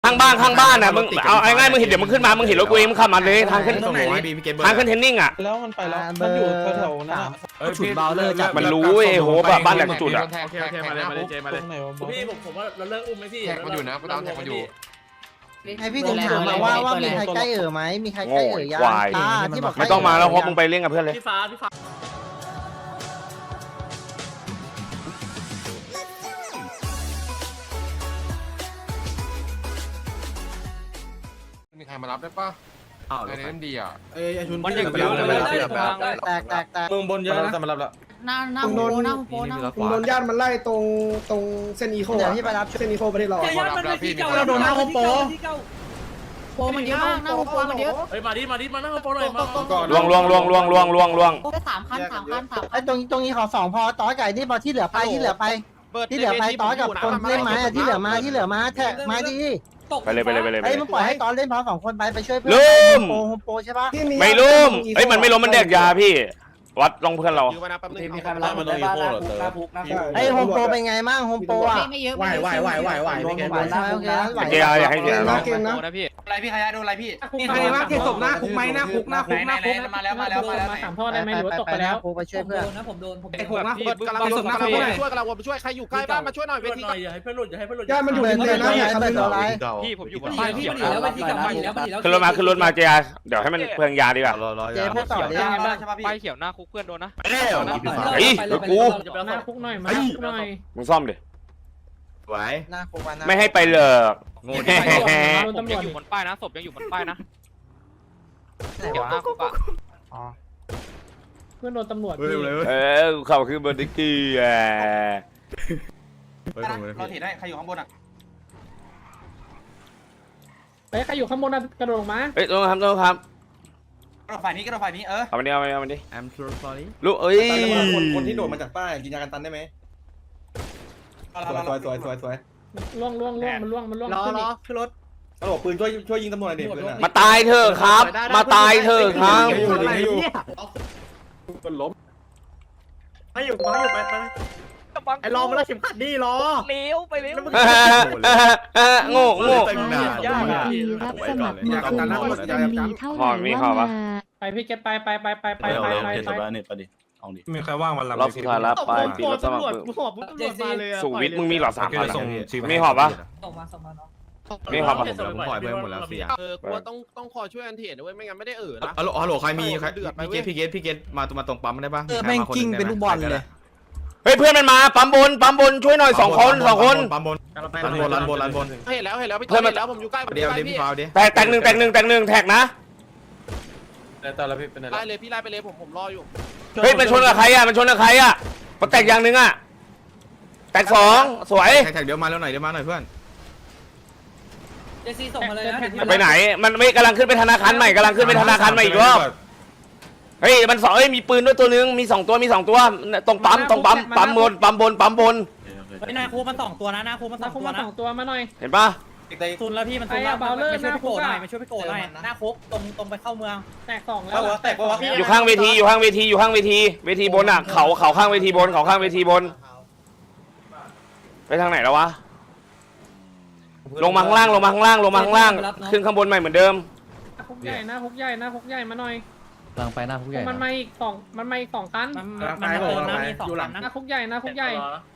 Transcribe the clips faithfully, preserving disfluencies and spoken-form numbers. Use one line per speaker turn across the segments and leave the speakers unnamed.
ข้างบ้านข้างบ้านอ่ะมึงเอาง่ายๆมึงเห็นเดี๋ยวมึงขึ้นมามึงเห็นรถกูเองมึงขับมาเลยทางขึ้นทางขึ้นเทนนิ่งอ่ะ
แล้วมันไปแล้วมันอยู่แถวๆนั้น
ฉุดเบาเลอร์จับ
มันรู้ไอ้โหแบบบ้านแหลมจุดอ่ะ
โอเคโอเคมาเลยมาเลยเจมาเลย
พี่ผมผมว่าเราเลิกอุ้มไหมพี่
แท็กมันอยู่นะกูตามแท็กมันอยู่
ไอพี่ถึงถามมาว่าว่ามีใครใกล้เอ๋อไหมมีใครใกล้เอ๋อยังตาที่บอก
ไม่ต้องมาแล้วเพราะมึงไปเล่นกับเพื่อนเลย
พี่ฟ้าพี่ฟ้า
มีใครมารับได้ป่ะอ้าวเล่นดีอ่ะ
เอ้ยชุน
มันอย่างเดียวเลย
แตกแตกแตก
เมืองบนเยอะนะจะมารับแล้ว
หน้าหน้าโปหน้าโปหน้าโป
โดนญาติมันไล่ตรงตรงเส้นอีโค
เดี๋ยวพี่ไปรับ
เส้นอีโคประเทศเรา
มารับแล้วพี่
เราโดนหน้าโฮมโปร
โปมันเยอะมากหน้าโปมันเยอะ
เฮ้ยมาดิมาดิมานั่งโปรหน่อยมา
ลวงลวงลวงลวงลวงลวงลวง
แค่สามคันสามคันสาม
ไอตรงตรงนี้ขอสองพอต่อไก่ที่พอที่เหลือไปที่เหลือไปที่เหลือไปต่อกับคนเล่นไม้ที่เหลือมาที่เหลือมาแท็กไม้ดี
ไปเลยไปเลยไปเลยไป
ไอ้
เลย
มึงปล่อยให้ตอนเล่นพอสองคนไปไปช่วยเพื่
ลืม
โปโฮมโปใช่ปะ
ไม่ล้มเอ้ยมันไม่ล้มมันแดกยาพี่วัดลองเพื่อนเรา
มีใครมารับมันตรงอีโคเหรอเตอ
ไอ้โฮมโปเป็นไงมั่งโฮมโปอ่ะ
ไม่เยอะ
ไหวไหวไหวไหวไหวไม่เกม
ไหวใช่ไหมโอเคไหว
เจียอยากให้เจียน้อง
เกมนะ
นะพี่อะไรพี่ขยะโดนอะไรพี่
มีใครว่าเก็บศพหน้าคุกไหมหน้าคุกหน้าคุกหน้าคุก
มาแล้วมาแล้วมาแล้ว
สามท่อได้ไหมหรือว่าตกไปแล้วไปช่วยเพื่อน
นะผมโดนผม
ไอ้คุกนะ
กำลังศพหน้าคุกช่วยกำลังวนช่วยใครอยู่ใกล้บ้านมาช่วยหน่อยเว
เพื่อน
ที
หน่อยอย่าให้เพื่อนหลุดอย่าให้เพื่อนหลุด
ญาติมันอยู่ในเมืองนะเนี่ยครับเป็นอะไร
พี่ผมอยู่บนป้าย
พี่
เขียว
มันแล้วไปที่กลับมาแล้วไปแล้ว
ขึ้นรถมาขึ้นรถมาเจียเดี๋ยวให้มันเพื่องยาดีกว่า
เจ๊พูดต่อ
เขียว
ดิ
ได้ไงบ้างใช่ป่ะพี่ป้ายเขียวหน้าคุกเพื่อนโดนนะ
เฮ้ยรถกู
จะไปเอาหน้าคุกหน่อย
มาคุกหน่อย
มึงซ่อมดิ
ไหว
หน้าโควัน
ไม่ให้ไปเลย
งงผมยังอยู่บนป้ายนะศพยังอยู่บนป้ายนะเขียวหน้าคุกอ่ะ
เพื่อนโดนตำรวจ
เออเขาคือเบอร์ดิกี้อ่ะ
เราเห็นได้ใครอยู่ข้างบนอ่ะ
เฮ้ยใครอยู่ข้างบนน่ะกระโดดลงมา
เฮ้ยต้องทำต้องท
กระโดดฝ่ายนี้กระโดดฝ่ายนี้เออ
ำเอามันดิเอามันดิเอามันดิ
I'm so sorry
ลูกเอ้ย
คนที่โดดมาจากป้ายกินยากันตันได้ไหมสวยสวยสวยสวย
ล่วงล่วงล่วงมันล่วงมันล่วง
รอ
ขึ้น
ร
อี
อก ขึ้นรถ
ตำรวจปืนช่วยช่วยยิงตำรวจหน่อยดิปืนอ่ะ
มาตายเถอะครับ มาตายเถอะครับ
อยู่ดีอยู่คนล้ม
ไม่อยู่ไม่อยู่ไปไปไอ้รอมาแล้วเข็มขัดดีรอ
เลี้ยวไปเลี้ยว
โง่โง่
รับสมัครมีคนเอสเอ็มดีเท่าไหร่ว่ามา
ไปพี่เก็ตไปไปไปไปไปไปไปไป
มีใครว่างวันหลัง
รอบสุดท้ายแล้วไปปีรถสมัคร
หอบตำรวจมาเลย
สูวิทย์มึงมีหลอดสามพัน
ส่ง
มีหอบปะ
ส่งมาส่งมาเนาะ
มีหอบปะ
ผมปล่อยเพื่อนหมดแล้วเสีย
เออกูต้องต้องคอยช่วยอันเถียนด้วยไม่งั้นไม่ได้เอ่อนะ
ฮัลโหลฮัลโหลใครมีใคร
เดือดไป
พี่เกตพี่เกตพี่เกตมามาตรงปั๊มได้ป่ะ
เออแม่งกิ้งเป็นลูกบอลเลย
เฮ้ยเพื่อนมันมาปั๊มบนปั๊มบนช่วยหน่อยสองคนสองคน
ปั๊มบนรันบนรันบนรันบน
เห็นแล้วเห็นแล้วพี่เห็นแล้วผมอยู่ใกล้ผมอ
เดี๋ยว
ยู่ใกล้
เดี๋ยว
พี่
พี่ฟาวเดี๋ยว
แตกแตกหนึ่งแตกหนึ่งแตกหนึ่งแท็กนะ
ตอนแล้วพี่เป็นอะไร
ไล่เลยพี่ไล่ไปเลยผมผมรออยู่
เฮ้ยมันชนกับใครอ่ะมันชนกับใครอ่ะมันแตกอย่างหนึ่งอ่ะแตกสองสวย
แท็กเดี๋ยวมาแล้วหน่อยเดี๋ยวมาหน่อยเพื่อน
เจซีส่งมาเลยนะ
ไปไหนมันไม่กำลังขึ้นไปธนาคารใหม่กำลังขึ้นไปธนาคารใหม่อีกรอบเฮ้ยมันสองเฮ้ยมีปืนด้วยตัวนึงมีสองตัวมีสองตัวตรงปั๊มตรงปั๊มปั๊มบนปั๊มบนปั๊มบน
ไอ้นาคูมันสองตัวนะนาคูมันสองตัวนะสองตัวมาหน่อย
เห็นปะ
ซุนแล้วพี่มันซุนแล้วมาช่วยพี่โกหน่อยมาช่วยพี่โกหน่อยหน้าคุกตรงตรงไปเข้าเมืองแตกสองแล้ว
แตกปะวะ
อยู่ข้างเวทีอยู่ข้างเวทีอยู่ข้างเวทีเวทีบนอ่ะเขาเขาข้างเวทีบนเขาข้างเวทีบนไปทางไหนแล้ววะลงมาข้างล่างลงมาข้างล่างลงมาข้างล่างขึ้นข้างบนใหม่เหมือนเดิม
คุกใหญ่หน้าคุกใหญ่หน้าคุกใหญ่มาหน่อย
กำลังไปหน้าคุกใหญ่
มันมาอีกสองมันมาอีกสองคัน
มันเติมนะมีสอง
หน้าคุกใหญ่หน้าคุกใหญ่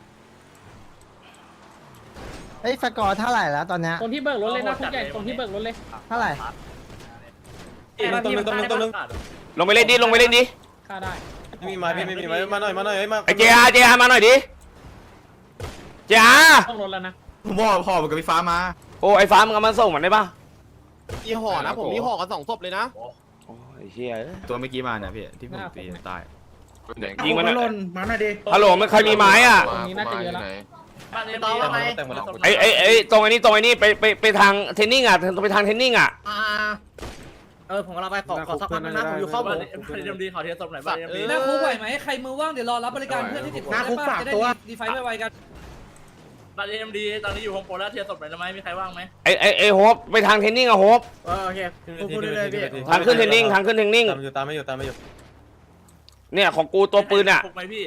เฮ้ยสกอร์เท่าไหร่แล้วตอนเนี้ย
ตรงที่เบิกรถเลยหน้าคุกใหญ่ตรงที่เบิกรถเลย
เท่าไหร่
ตรงนึงตรงนึงตรงนึง
ลงไปเล่นดิลงไปเล่นดิ
ค่าได้
ไม่มีไม้พี่ไม่มีไม้มาหน่อยมาหน่อยมา
ไอเจียเจียมาหน่อยดิเจีย
ต้องรถแล้วนะ
ผมบอกห่อกับพี่ฟ้ามา
โอ้ไอฟ้ามึงเอามาส่งมันได้ปะ
มีห่อนะผมมีห่อกันสองศพเลยนะ
โอ้ยเชี่ย
ตัวเมื่อกี้มาเนี่ยพี่ที่ผมตีตาย
ยิงมัน
หล่นมาหน่อยดิ
ฮัลโหลมันใครมีไม้อ่ะ
ตรงนี้น่าจะเยอะแล้ว
บ้านนี้ต่อไป
ไอไอไอตรงไอ้นี่ตรงไอ้นี่ไปไปไปทางเทนนิ่งอ่ะไปทางเทนนิ่งอ่ะ
อ่าเออผมกำลังไปขอขอสักพักนึงนะผมอยู่เข้า
บ้า
ผ
น
ม
นี้เดียมดีขอเทียบศพหน่อยบ้านเดียมดี
หน้าคุกไหวไหมใครมือว่างเดี๋ยวรอรับบริการเพื่อนที่ติดคุกจะได้ดีไฟไวๆกัน
บ้านเดียมดีตอนนี้อยู่โฮมโปรแล้วเทียบศพหน่อยได้ไหมมีใครว่างไหม
ไอไอไอโฮปไปทางเทนนิ่งอ่ะโฮป
โอเคพูดเลยพี่
ทางขึ้นเทนนิ่งทางขึ้นเทนนิ่ง
ตามอยู่ตามไม่อยู่ตามไม่อยู่
เนี่ยของกูตัวปืนอ่ะ
คุกไหมพี่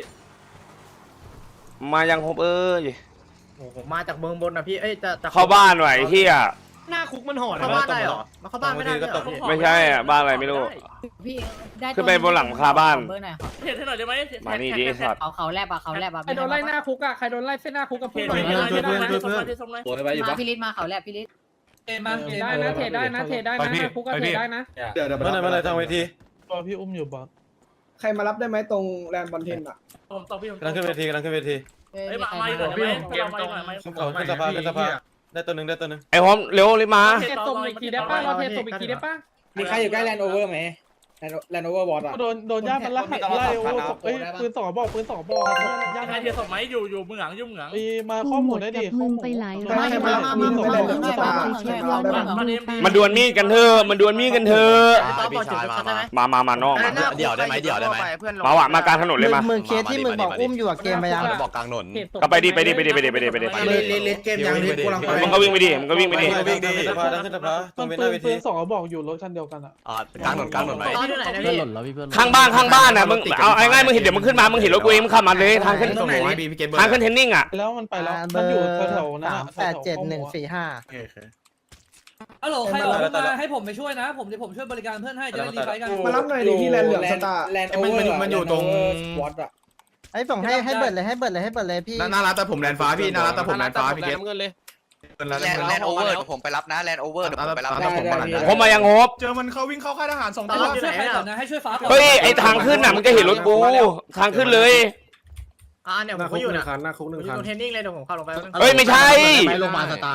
มายังโฮปเอ้ย
ผมมาจากเมืองบนนะพี่เอ้ยจะจะ
เข้าบ้านไหวที่อ่ะ
หน้าคุกมันห่อ
เข้าบ้านได้เหรอมาเข้าบ้านไม่ได้ก็ตก
ไม่ใช่อ่ะบ้านอะไรไม่รู้
พี่ได้
ขึ้นไปบนหลังคาบ้าน
เบอร์หน่อยครับ
เห็นให้หน่อยได้ไหม
มานี่ดิสัตว์
เขาเขาแลบอะเขาแลบอะ
ใครโดนไล่หน้าคุกอะใครโดนไล่เส้นหน้าคุกกับ
เห็
พุ่
น
งหน่อย
เห็น
นะ
เห็นเห็นเห็นส่งมาที่ส่งเลย
มาพี่ลิศมาเขาแลบพี่ลิศ
เทมาได้นะเทได้นะเทได้นะหน้าคุกก็เทได้นะ
เดี๋ยวเดี๋ยว
มาหน่อยมาหน่อยทางเวที
พี่อุ้มอยู่บอสใครมารับได้ไหมตรงแลนด์บอลเทนอ่ะ
ผมต้องพี่ผม
กำลังขึ้นเวทีกำลังขึ้นเวที
เอ้ย
เฮ้ย
มี
มา
ใคร
ไม่
มา
เดี๋ยวพี่เกมตรงไหม
เขาขึ้นสภาขึ้นสภาได้ตัวหนึ่งได้ตัวหนึ่ง
ไอ้พร้อมเร็วรีบมา
เทส่งอีกทีได้ป่ะเราเทส่งอีกทีได้ป่ะ
มีใครอยู่ใกล้แลนด์โอเวอร์ไหมแลนด์โอเวอร์บอสอ่ะ
โดนโดนย่ามันไล่ไล่โอ้เอ้ยปืนสองบอกปืนสองบอกย่า
ใครเทียส่งไหมอยู่อยู่เมืองหลังอยู่เมืองหลัง
มีมาข้อมูลได้ดิข้อมูล
ไปหลาย
ใครมารับมีไม่เล่นสตาร์ใครมารับได้ไหม
มันดวลมีดกันเถอะมันดวลมีดกันเถอะมามา มานอกมา
เดี๋ยวได้ไหมเดี๋ยวได้ไหม
มาว่ะมากลางถนนเลยมา
มึงเคสที่มึงบอกอุ้มอยู่อะเกมไปยัง
บอกกลางถนน
ก็ไปดิไปดิไปดิไปดิไปดิไปดิ
เลนเกมยังกูลังไป
มึงก็วิ่งไปดิมึงก็วิ่งไปดิ
วิ่งดีสภาขึ้นสภาตรงเว
ปื
ที
นปืนสองบอกอยู่รถคันเดียวกันอ่ะ
กลางถนนกลางถนนไหม
ตอนอยู่ไหนนะพี่
ข้างบ้านข้างบ้านน่ะมึงเอาไอ้ง่ายมึงเห็นเดี๋ยวมึงขึ้นมามึงเห็นรถกูเองมึงขับมาเลยทางขึ้น
ตรงไหนพี่พี่เกมเบอร์
ทางขึ้นเทนนิ่งอ่ะ
แล้วมันไปแล้ว
เบ
มัน
อ
อยู่
ร์
แถวๆนั้น
สามแปดเจ็ดหนึ่งสี่ห้า
ฮัลโหลใครออกมาให้ผมไปช่วยนะผมเดี๋ยวผมช่วยบริการเพื่อนให้จะได้รีไฟกัน
มารับหน่อยดิที่แลนด์เหลืองสตาร์แลนด์โอเวอร์มันอยู่ตรงวอตอ่ะ
ไอ้ส่งให้ให้เบิร์ดเลยให้เบิร์ดเลยให้เบิร์ดเลยพี่
น่ารักแต่ผมแลนฟ้าพี่น่ารักแต่ผมแลนฟ้าพี่เกม
เงินเลย
แลน
แลนด์โอเวอร์เดี๋ยวผมไปรับนะแลนด์โอเวอร์เดี๋ยวผมไปรับ
ผมมายังโฮบ
เจอมันเขาวิ่งเข้าค่ายทหารสอง
ต
ตั
ล
ว
อดช่วยใครก่อนนะให้ช่วยฟ้าก่อน
เฮ้ยไอ้ทางขึ้นน่ะมึงจะเห็นรถกูทางขึ้นเลย
อ่าเนี่ยผมก็อยู่นะหน้าคุกหนึ่งคัน
เทนนิ่งเลยเดี๋ยวผมเข้าลงไป
เฮ้ยไม่ใช่
ไปโรงพยาบาลสตาร์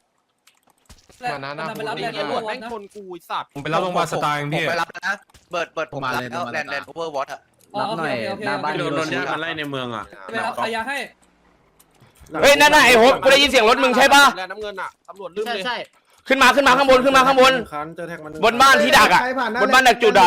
ไปรับแลนด์ตำรวจแม่งชน
กูสัตว์
ผมไปรับโรงพยาบาลสตาร์พี่
ไปรับนะเบิร์ดเบิร์ดผมรับแล้วแลนด์แลนด์โอเวอร์วอตอะ
รับหน่อยหน้าบ้าน
โดนโดนย่ามันไล่ในเมืองอ่ะ
ไปรับขายาให้
เฮ้ยนั่นน่ะไอ้โฮบกูได้ยินเสียงรถมึงใช่ป่ะ
แลนด์น้ำเงินอะตำรวจลืม
ใช่
เลย
ใช่
ขึ้นมาขึ้นมาข้างบนขึ้นมาข้างบน
คันเจอแท็กมัน
บนบ้านที่ดักอ่ะบนบ้านดักจุดอ่ะ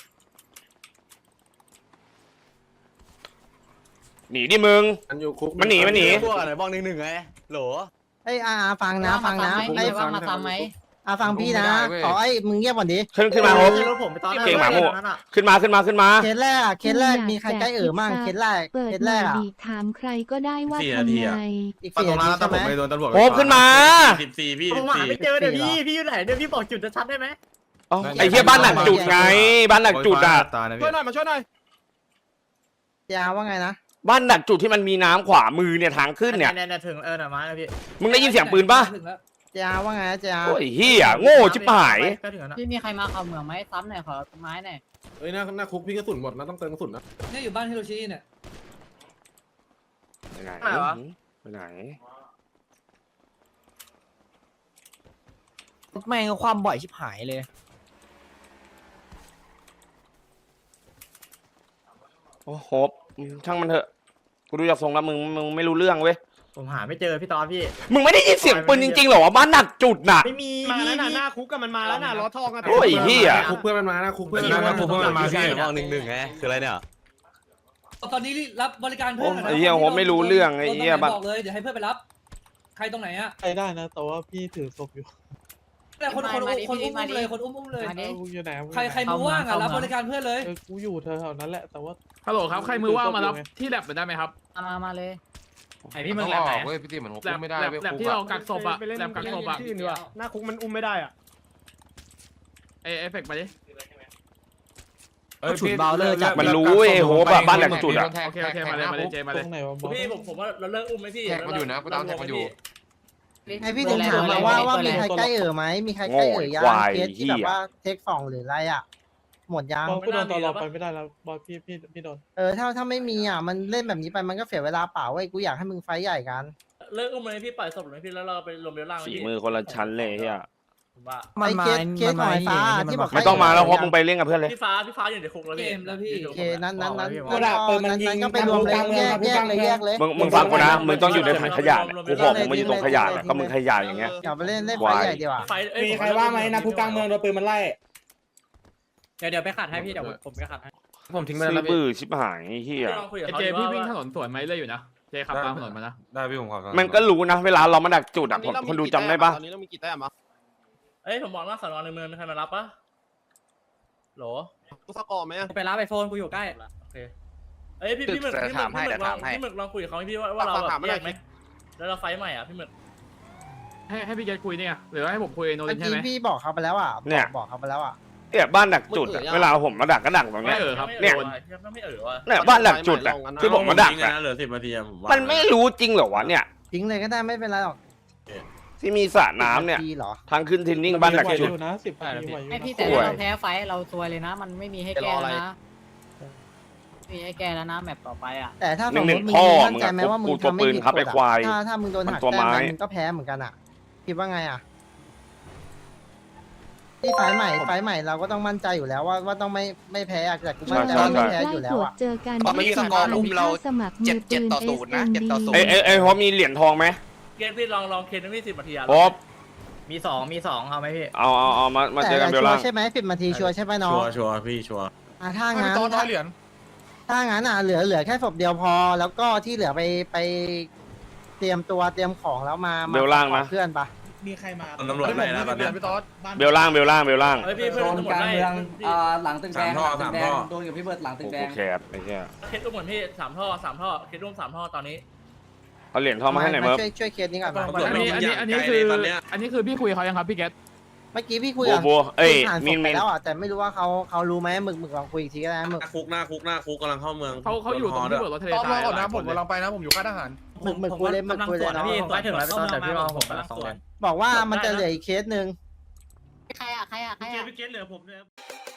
หนีดิมึง
มันอยู่คุก
มันหนีมันหนี
พวกอะไรบ้องหนึ่งหนึ่งไงโหล
ไอ้อาฟังนะฟังนะ
ไอ้
ไอ้
ว่ามาซ้ำไหม
อาฟังพี่นะขอไอ้มึงเงียบก่อนดิ
ขึ้นขึ้นมาโฮบ
รถผมไปตอนแรก
เก่งหมาโม่ขึ้นมาขึ้นมาขึ้นมา
เคสแรกอะเคสแรกมีใครใกล้เอ๋อมั่งเคสแรก
เปิ
เค
ด
ส
ห
แร
น่อย
กอะ
ดีถามใครก็ได้ว่าทำไง
อีก
ตร
สี่
งนั้น
นาที
แต่
ใช่
ผ
ไหม
มไปโดนตำรวจ
โฮบขึ้นมา
สิบสี่พี่
ผมหาไม่เจอเดี๋ยวพี่พี่อยู่ไหนเดี๋ยวพี่บอกจุดชัดได้ไหม
อ๋อไอ้เหี้ยบ้านหนักจุดไงบ้านหนักจุดอ่ะ
ช่วยหน่อยมาช่วยหน่อย
ยาว่าไงนะ
บ้านหนักจุดที่มันมีน้ำขวามือเนี่ยทางขึ้นเนี่ย
เนี่ยถึงเออหน่อยมาแล้วพี่
มึงได้ยินเสียงปืนป่ะ
ถึงแล้ว
ยาว่าไงนะยา
โอ้ยเฮียโง่ชิบหาย
ก็ถึงแล้วพี่มีใครมาเข้าเมืองไหมซ้ำหน่อยขอไม้หน่อย
เฮ้ยหน้าหน้าคุกพี่กระสุนหมดนะต้องเติมกระสุนนะ
เนี่ยอยู่บ้านฮิโรชิเนี่ย
ไปไหนไปไหน
แม่งความบ่อยชิบหายเลย
โอ้โหช่างมันเถอะกูดูจากทรงแล้วมึงมึงไม่รู้เรื่องเว้ย
ผมหาไม่เจอพี่ตอนพี่
มึงไม่ได้ยินเสียงปืนจริงๆหรอวะบ้านหนักจุดน่ะ
ไม่มี
มาแล้วน่ะหน้าคุกกันมันมาแล้วน่ะล้อทองกัน
โอ้ยเหี้ย
คุกเพื่อนมันมาหน้าคุกเพื่อน
หน้า
มัน
คุกเพื่อนมันมาพี่
มา
บ้องหนึ่งหนึ่งไงคืออะไรเนี่ย
ตอนนี้รับบริการเพื่อน
ไอ้เหี้ยผมไม่รู้เรื่องไอ้เหี้ย
บอกเลยเดี๋ยวให้เพื่อนไปรับ ใครตรงไหนอะ
ไปได้นะแต่ว่าพี่ถือศพอยู่
แต่คนคนคนอุ้มอุ้มเลยคนอุ้มอุ้มเลย
กูอยู่ไหน
ใครใครมือว่างอะรับบริการเพื่อนเลย
เออกูอยู่แถวๆนั้นแหละแต่ว่า
ฮัลโหลครับใครมือว่างมารับที่แลบได้ไหมครับ
มามาเลย
ไอพี่มึงแลบไหนเว้ยพี่ตีเหมือนผม
แลบ
ไม่ได้
แลบ
เว้ย
แลบ
คุก
ที่เรา
อะ
กักศพอะแลบกักศพอะ
หน้าคุกมันอุ้มไม่ได้อ่ะ
เอเอฟเฟกต์ไปดิ
ฉุดเบาเลยจัด
มันรู้ไอ้โหบอะบ้านหลังจุดอะ
โอเคโอเคมาเลยมาเลยเจมา
ต
เล
ร
ย
งไหนวะบอส
พี่ผมผมว่าเราเลิกอุ้มไหมพี่
แท็กมันอยู่นะกูตามแท็กมันอยู่
ให้พี่ถึงถามมาว่าว่ามีใครใกล้เอ๋อไหมมีใครใกล้เอ๋อยังเคสที่แบบว่าเทคสองหรืออะไรอะหมดยัง
บอสกูโดนตลอดไปไม่ได้แล้วบอสพี่พี่พี่โดน
เออถ้าถ้าไม่มีอ่ะมันเล่นแบบนี้ไปมันก็เสียเวลาเปล่าเว้ยกูอยากให้มึงไฟใหญ่กัน
เลิกอุ้มไหมพี่ปล่อยศพหรือพี่แล้วเราไปรวมเรือล่าง
ฝีมือคนละชั้นเลยเฮีย
ผมว่า
ไม่เคสเคสหอยฟ้าที่บอก
ไม่ต้องมาแล้วโฮบมึงไปเล่นกับเพื่อนเลย
พี่ฟ้าพี่ฟ้าอยู่ในคุกแล้วพี่
เกมแล้วพี่
โอเคนั้นนั้นนั้นนั้นนั้นก็ไปรวมเลยแยกแยกเลยแยกเลย
มึงมึงฟังกูนะมึงต้องอยู่ในถังขยะเนี่ยกูบอกมึงมาอยู่ตรงขยะเนี่ยก็มึงขยะอย่างเงี้ย
อย่าไปเล่นเล่นไฟใหญ่ดีกว่า
ไฟเอ้ย
มีใครว่าไหมนะคุกกลางเมืองโดนปืนมันไล่
เดี๋ยวเดี๋ยวไปขัดให้พี่เดี๋ยวผมไปขัดให้
ผมทิ้งไป
ซื้
แล้ว
อ
พี่
บื้อชิบหายเฮีย
ลองคุยกับ
ไอ
เขา
เจ
ดี
พี่
ว่า
วิ่งถนนสวนไหมเลยอยู่นะเจขับตามถนนมานะ
ได้พี่ผมขอ
มันก็รู้นะเวลาเรามาดักจุดอ่ะคนคนดูจำได้ปะ
ตอนนี้เรามีกี่แต้มอ่ะ
เอ้ยผมบอกว่าสอนอในเมืองมีใครมารับปะโหล
กูสกอร์ไหม
ไปรับไอโฟนกูอยู่ใกล้
โอเคเอ้ยพี่พี่หมึกพี่หมึกพี่หมึกลองพี่หมึกลองคุยกับเขาพี่ว่าว่าเราแบบแยกไหมแล้วเราไฟใหม่อ่ะพี่หมึก
ให้ให้พี่เกตคุยเนี่ยหรือว่าให้ผมคุยโน
เมื่
ริ
อน
ใช่
กี้
ไหม
พี่บอกเขาไปแล้วอ่ะ
เนี่ย
บอกเขาไปแล้วอ่ะ
เนี่ยบ้านดักจุดอะเวลาผมมาดักก็ดักตรงเนี้
ไม่
ย
เออครับ
เนี่ย
ก็ไม่เออว่ะ
เนี่ยบ้านดักจุดอะที่ผมมาดักอะ
เหลือสิบนาทีผมว่า
มันไม่รู้จริงเหรอวะเนี่ย
ทิ้งเลยก็ได้ไม่เป็นไรหรอก
ที่มีสระน้ำเนี่ย
ทีเหรอ
ทางขึ้นเทนนิ่งบ้านดักจุด
นะสิบนาทีไหวอยู่
ไอ
นะ
พี่แต่ถ้าเราแพ้ไฟเราซวยเลยนะ มันไม่มีให้แก้แล้วนะมีให้แก้แล้วนะแมปต่อไปอ่ะ
แต่ถ้าสม
ห
ม
นึ่
ติ
ง
มึง
พ่อ
มั่นใจไหมว่ามึง
มึงตัว
ทำไม่
ปืน
ผิด
ครับ
ก
ไอ้
ฎ
ควาย
อะถ้าถ้ามึงโดนหัก
มันตัว
แต้ม
ไม้
ไปมึงก็แพ้เหมือนกันอ่ะคิดว่าไงอ่ะที่ไฟล์ใหม่ไฟล์ใหม่เราก็ต้องมั่นใจอยู่แล้วว่าว่าต้องไม่ไม่แพ้อะแต่กูมั่นใจว่าไม่แพ้อยู่แล้วอ่ะ
เจอกัน
ตอนนี้สกอร์อุ้มเรา
สมัครมื
เจ็ด
อ
เจ็
ปื
ด
น
ต่อศูนย์นะเจ็ดต่อศูนย์
เอ้ยเอ้ยเอ้ยพอมีเหรียญทองไหม
เกตพี่ลองลองเคนไม่สิบนาทีอะ
พอ
มีสองมีสองเอาไหมพี่
เอาเอาเอามามาเจ
แต่
อกันเบล
ชัว
ล่าง
ร์ใช่ไหมสิบนาทีชัวร์ใช่ไหมน้อง
ชัวร์ชัวร์พี่ชัวร์
อ่ะถ้างั้น
ตอนน้อยเหรียญ
ถ้างั้นอ่ะเหลือเหลือแค่ศพเดียวพอ แล้วก็ที่เหลือไปไปเตรียมตัวเตรียมของแล้วมามา
เบลล่างนะ
ขอเพื่อนปะ
มีใครมา
ตำรวจไหนนะตอนนี้
พี่ต๊อด
เบลล่างเบลล่างเบลล่าง
เฮ้ยพี่เพื่อนตำรวจไล่
หลังตึกแด
สาม
ง
ท่อสามท่อ
โดนกับพี่เบิร์ดหลังตึ
โอ้
ก
โห
แดง
แคบไอ้เหี้ย
เคสร่วมเหมือนพี่สามท่อสามท่อเคสร่วมสามท่อตอนนี้
เอาเหรียญทองมาให้หน่อยเมิร์ฟ
ช่วยช่วยเคสนี้ก่อนมา
ตำรวจ
อัน
ไม่
นี้
ยิง
อันนี้
อย่าง
อันนี้
ไกล
คื
เล
อย
ตอนเนี้ย
อันนี้คือพี่คุยเขายังครับพี่เกต
เมื่อกี้พี่คุย
บัว
กับ
บัวเอ้ย
ผ่านศ
มิ
พ
น
ไป
มิน
แล้วอ่ะแต่ไม่รู้ว่าเขาเขารู้ไหมหมึกหมึกลองคุยอีกทีก็ได้นะหมึก
หน้าคุกหน้าคุกหน้าคุกกำลังเข้าเมือง
เขาเขาอยู่ตรงที่เบิร์ดรถทะเล
ต๊อด
ท
ร
รา
อย ก่อน
หลา
นะ
ย
ผ
ค
ม
นเลย
กำลังไปนะผมอยู่ค่ายทหาร
หมึกหมึกคุยเลยหมึกคุยเลยเนาะ
พี่ไปถึงแล้วพี่ต้นเดี๋ยวพี่รอผมกำลังส่งเลย
บอกว่ามันจะเหลืออีกเคสหนึ่ง
ใครอ่ะใครอ่ะใครอ่ะ
พี่เกตเหลือผมเลย